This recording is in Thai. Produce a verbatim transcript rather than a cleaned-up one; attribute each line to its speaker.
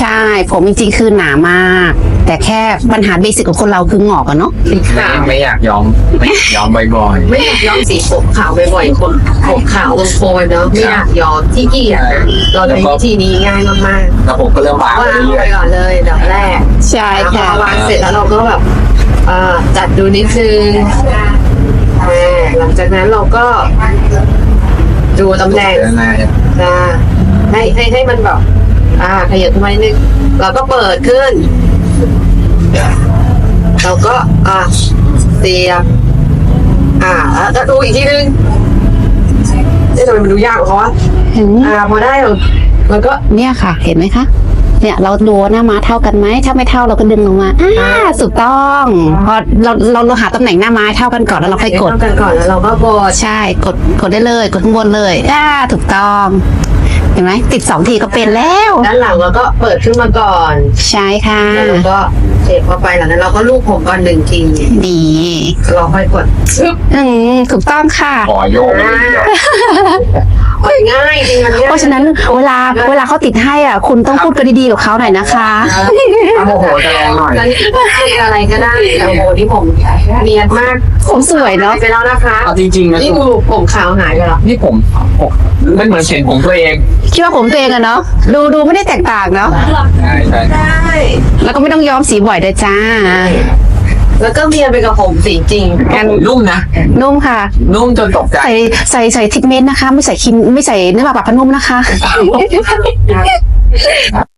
Speaker 1: ช่ผมจริงๆคือหนามาก แต่แค่ปัญหาเบสิกของคนเราคือหงอกอะเนาะ
Speaker 2: สีขาว
Speaker 3: ไม่อยากย้อมไม่อยากย้อมบ่อย
Speaker 2: ไม่อยากย้อมสีผมขาวบ่อยๆคนผมขาวโคนเนาะไม่อยากย้อมที่เกียจเราใช้วิธีนี้ง่ายมาก
Speaker 3: ๆแล้วผมก็เริ่มบาง
Speaker 2: ๆ
Speaker 3: ไป
Speaker 2: วาง
Speaker 3: เรื่
Speaker 2: ไป
Speaker 3: อย
Speaker 2: ก่อนเลยเดี๋ยวแรก
Speaker 1: ใช่ค่ะ
Speaker 2: พอวางเสร็จแล้วเราก็แบบอ่าจัดดูนิดนึงอ่าหลังจากนั้นเราก็ดูตำแหน่ง
Speaker 3: ๆน่าจะ
Speaker 2: นะให้ให้ให้มันแบบอ่าขยับขึ้นมานิดนึงเราก็เปิดขึ้น เราก็อ่าเสียบอ่าแล้วดูอีกทีนึงเอ๊ะทำไมมันดูยากกว่าเขาวะ
Speaker 1: เห็น
Speaker 2: อ่าพอได้เราเราก็
Speaker 1: เนี่ยค่ะ เห็นไหมคะ เนี่ยเราดูว่าหน้าม้าเท่ากันไหมถ้าไม่เท่าเราก็ดึงลงมาอ่าถูกต้องพอเราเราเราหาตำแหน่งหน้าม้าให้เท่ากันก่อนแล้วเราค่อยกด
Speaker 2: เท่ากันก่อนแล้วเราก็กด
Speaker 1: ใช่กดกดได้เลยกดข้างบนเลยอ่าถูกต้องเห็นไหมติดสองทีก็เป็นแล้ว
Speaker 2: ด้านหลังเราก็เปิดขึ้นมาก่อน
Speaker 1: ใช่ค่ะ
Speaker 2: แล้วเราก็เสียบเข้าไปหลังนั้นเราก็ลูบผมก่อนหนึ่งที
Speaker 1: ดี
Speaker 2: เราค่อยกดชึบ
Speaker 1: อืมถูกต้องค่ะ
Speaker 3: ขอโยกไปเรื่อย
Speaker 2: กดง่ายจริงมันง่าย
Speaker 1: เพราะฉะนั้นเวลาเวลาเขาติดให้อ่ะคุณต้องพูดกันดีๆกับเขาหน่อยนะคะ
Speaker 3: ๆเอาโมโหจะแรงหน่อย
Speaker 2: แล้วนี่คืออะไรก็ได้แต่โอ้โหที่ผมเนียนมาก
Speaker 1: ผมสวยเนาะ
Speaker 2: ไปแล้วนะคะ
Speaker 3: เอาจริงๆนะ
Speaker 2: นี่ดูผมขาวหายไปแล้ว
Speaker 3: นี่ผมผมมันเหมือนเห็นผมตัวเอง
Speaker 1: คิดว่าผมตัวเองอะเนาะดูดูไม่ได้แตกต่างเนาะ
Speaker 3: ใช่ใช่
Speaker 2: ได้
Speaker 1: แล้วก็ไม่ต้องย้อมสีบ่อยด้วยจ้า
Speaker 2: แล้วก็เนียนไปกับผมสีจริง
Speaker 3: ผมนุ่มนะ
Speaker 1: นุ่มค่ะ
Speaker 3: นุ่มจนตกใจ
Speaker 1: ใส่ใส่ใส่ทิกเมนต์นะคะ ไม่ใส่ครีมไม่ใส่เนื้อปลาปลาพนุ่มนะคะ